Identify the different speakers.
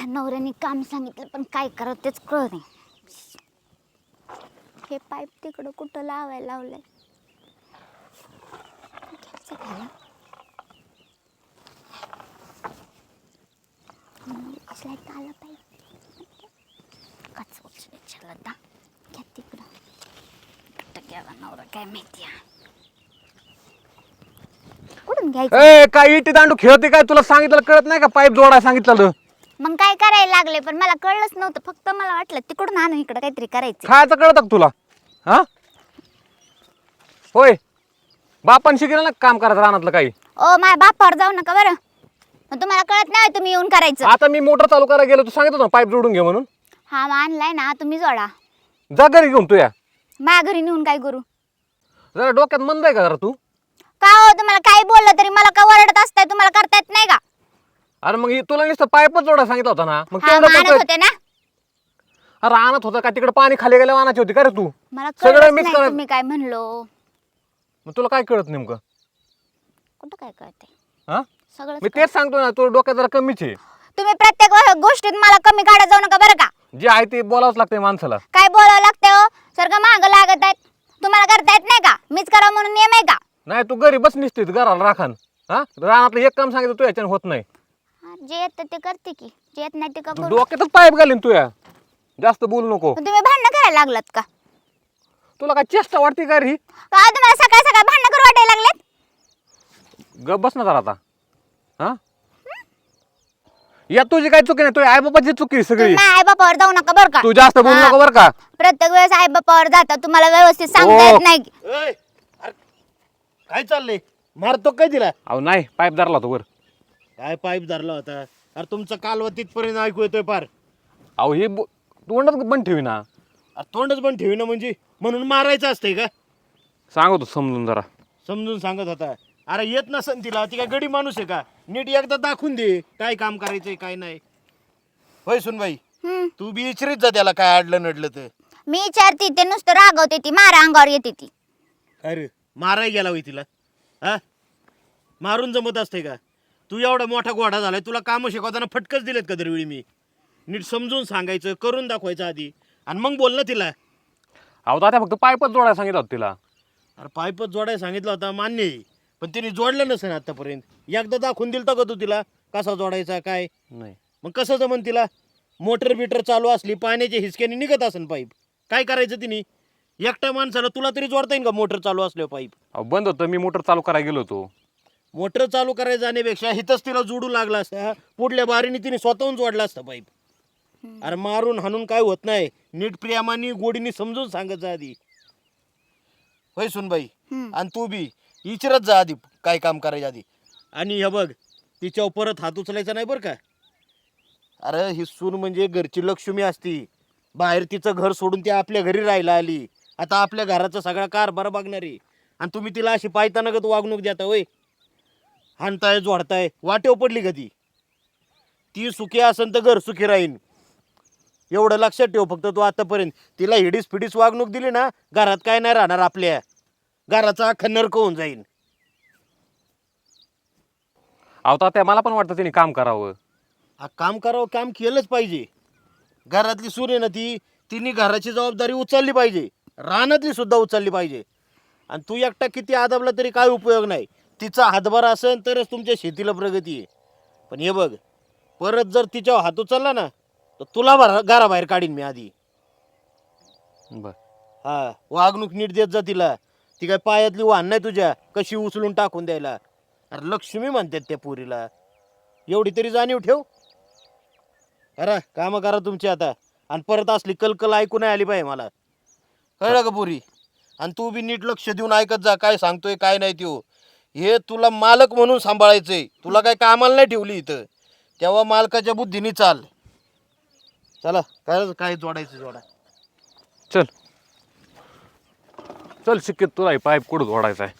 Speaker 1: नवऱ्याने काम सांगितलं पण काय करावं तेच कळत नाही. हे पाईप तिकडं कुठं लावायला लावलंय. घ्यायचं घ्यायला. लाईट आला पाहिजे. कच उचलायला दा घ्या तिकडं. कुठं गेला नवरा काय माहिती आहे. कुठून घ्यायचं?
Speaker 2: ए काय इटी दांडू खेळते काय? तुला सांगितलं कळत नाही का? पाईप जोडायला सांगितलं.
Speaker 1: मग काय करायला लागले पण मला कळलंच नव्हतं. फक्त मला वाटलं तिकडून आणून इकडं काहीतरी करायचं.
Speaker 2: खायचं कळतं का तुला? हा होय बापान शिकलं ना काम करायचं रानातलं काही.
Speaker 1: ओ माझ्या बापावर जाऊ नका बरं. मग तुम्हाला कळत नाही तुम्ही येऊन करायचं.
Speaker 2: आता मी मोटर चालू करायला गेलो तू सांगितलं ना पाईप जोडून घे म्हणून.
Speaker 1: हा मग आणलाय ना तुम्ही जोडा.
Speaker 2: जा घरी घेऊन तू या.
Speaker 1: माझ्या घरी नेऊन काय करू?
Speaker 2: जरा डोक्यात मंद आहे का जरा तू?
Speaker 1: का हो तुम्हाला काही बोललं तरी मला का ओरडत असताय? तुम्हाला करता येत नाही का?
Speaker 2: अरे मग तुला नुसतं पाईपच जोडायला सांगितलं होता ना. मग
Speaker 1: हा
Speaker 2: तेवढं
Speaker 1: आणत
Speaker 2: करतोय.
Speaker 1: होते ना.
Speaker 2: अरे आणत होता का तिकडे पाणी खाली गेल्या आणायची होती का रे तू?
Speaker 1: मला
Speaker 2: सगळं
Speaker 1: कळलंच
Speaker 2: मिक्स
Speaker 1: नाही
Speaker 2: करा.
Speaker 1: तुम्ही काय म्हणलो.
Speaker 2: मग तुला काय कळत नेमकं?
Speaker 1: कुठं काय कळते?
Speaker 2: हा
Speaker 1: सगळं
Speaker 2: मी तेच सांगतो ना, तू डोक्यात जरा कमीच आहे.
Speaker 1: तुम्ही प्रत्येक गोष्टीत मला कमी काढत जाऊ नका बरं का.
Speaker 2: जे आहे ते बोलावंच लागतंय माणसाला.
Speaker 1: काय बोलावं लागतंय हो? सारखं महाग लागत आहेत. तुम्हाला करता येत नाही का? मीच करा म्हणून नियम आहे का?
Speaker 2: नाही तू घरी बस निसतीस घराला राखान. हा रानातलं एक काम सांगितलं तू याच्यानं होत नाही.
Speaker 1: जे येतं ते करते की, जे येत नाही ते का
Speaker 2: तू
Speaker 1: करू.
Speaker 2: डोक्यातच पाईप घालीन तू या. जास्त बोलू नको.
Speaker 1: पण तुम्ही भांडणं करायला लागलात का?
Speaker 2: तुला काय चेष्टा वाटते का रे?
Speaker 1: का तुम्हाला सकाळ सकाळ भांडणं करू वाटायला लागलेत?
Speaker 2: गप बस ना जरा आता. हा या तुझी काय चुकी नाही, तुझ्या आई बाबाची चुकी आहे सगळी.
Speaker 1: तुम्ही आई बापावर जाऊ नका बरं का.
Speaker 2: तू जास्त बोलू
Speaker 1: हा.
Speaker 2: नको बरं का.
Speaker 1: प्रत्येक वेळेस आई बापावर जाता तुम्हाला व्यवस्थित सांगता येत नाही.
Speaker 3: अरे काय चाललंय? मारतो काय तिला?
Speaker 2: अहो नाही पाईप धरला तो वर.
Speaker 3: काय पाईप धरला होता? अरे तुमचं कालवा तिथपर्यंत ऐकू येतोय पार.
Speaker 2: अहो हे तोंडच बंद ठेवी ना.
Speaker 3: अरे तोंडच पण ठेवी ना म्हणजे म्हणून मारायचं असतंय का?
Speaker 2: सांगतो समजून जरा.
Speaker 3: समजून सांगत होता. अरे येत नसन तिला, ती काय गडी माणूस आहे का? नीट एकदा दाखवून दे काय काम करायचंय काय नाही. होय सुनबाई,
Speaker 1: हम्म.
Speaker 3: तू बी इचरीत जा त्याला काय अडलं नडलं तर.
Speaker 1: मी विचारते ते नुसतं रागवते ती मारा अंगावर येते ती.
Speaker 3: अरे माराय गेला होय तिला? हा मारून जमत असते का? तू एवढा मोठा घोडा झालाय, तुला कामं शिकवताना फटकच दिलेत का दरवेळी मी? नीट समजून सांगायचं, करून दाखवायचं आधी आणि मग बोल ना तिला.
Speaker 2: अहो दादा फक्त पाईपच जोडायला सांगितलं होतं तिला.
Speaker 3: अरे पाईपच जोडायला सांगितलं होता मान्य आहे, पण तिने जोडलं नसेल आतापर्यंत. एकदा दाखवून दिलं का तू तिला कसा जोडायचा काय?
Speaker 2: नाही
Speaker 3: मग कसं जमन तिला? मोटर बिटर चालू असली पाण्याच्या हिसक्याने निघत असेल पाईप. काय करायचं तिने? एकट्या माणसाला तुला तरी जोडता येईल का मोटर चालू असल्यावर पाईप?
Speaker 2: अहो बंद होतं, मी मोटर चालू करायला गेलो होतो.
Speaker 3: मोटर चालू करायला जाण्यापेक्षा हिथंच तिला जोडू लागला असता. पुढल्या बारीने तिने स्वतःहून जोडला असता पाईप. अरे मारून हाणून काय होत नाही. नीट प्रेमाने गोडीने समजून सांगत जा आधी. होय सुनबाई,
Speaker 1: हम्म.
Speaker 3: आणि तू बी विचारत जा आधी काय काम करायचं आधी. आणि हे बघ, तिच्यावर परत हात उचलायचा नाही बरं का. अरे ही सून म्हणजे घरची लक्ष्मी असती. बाहेर तिचं घर सोडून ती आपल्या घरी राहायला आली. आता आपल्या घराचा सगळा कारभार बघणारी, आणि तुम्ही तिला अशी पायतानागत वागणूक देता होय? हाणताय जोडताय, वाटेव पडली का ती? ती सुखी असेल तर घर सुखी राहीन. एवढं लक्षात ठेव फक्त तू. आतापर्यंत तिला हिडीस फिडीस वागणूक दिली ना, घरात काय नाही राहणार. आपल्या घराचा अख्खा नरक होऊन जाईल.
Speaker 2: अहो तात्या मला पण वाटतं तिने काम करावं.
Speaker 3: हा काम करावं, काम केलंच पाहिजे. घरातली सून आहे ना ती, तिने घराची जबाबदारी उचलली पाहिजे, रानातली सुद्धा उचलली पाहिजे. आणि तू एकटा किती आदाबला तरी काय उपयोग नाही. तिचा हातभार असेल तरच तुमच्या शेतीला प्रगती आहे. पण हे बघ, परत जर तिच्यावर हात उचलला ना तर तुला घराबाहेर काढीन मी आधी.
Speaker 2: बर
Speaker 3: हा वागणूक नीट देत जा तिला. ती काय पायातली वाहन नाही तुझ्या कशी उचलून टाकून द्यायला. अरे लक्ष्मी म्हणतात त्या पुरीला, एवढी तरी जाणीव ठेव. करा कामं करा तुमची आता. आणि परत असली कलकल ऐकू नाही आली पाहिजे मला, कळलं का पुरी? आणि तू बी नीट लक्ष देऊन ऐकत जा काय सांगतोय काय नाही त्यो. हे तुला मालक म्हणून सांभाळायचंय, तुला काय कामाला नाही ठेवली इथं. तेव्हा मालकाच्या बुद्धीने चाल. चला काय काय जोडायचं जोडा.
Speaker 2: चल चल शिकेत तुला पाईप कुठं जोडायचा आहे.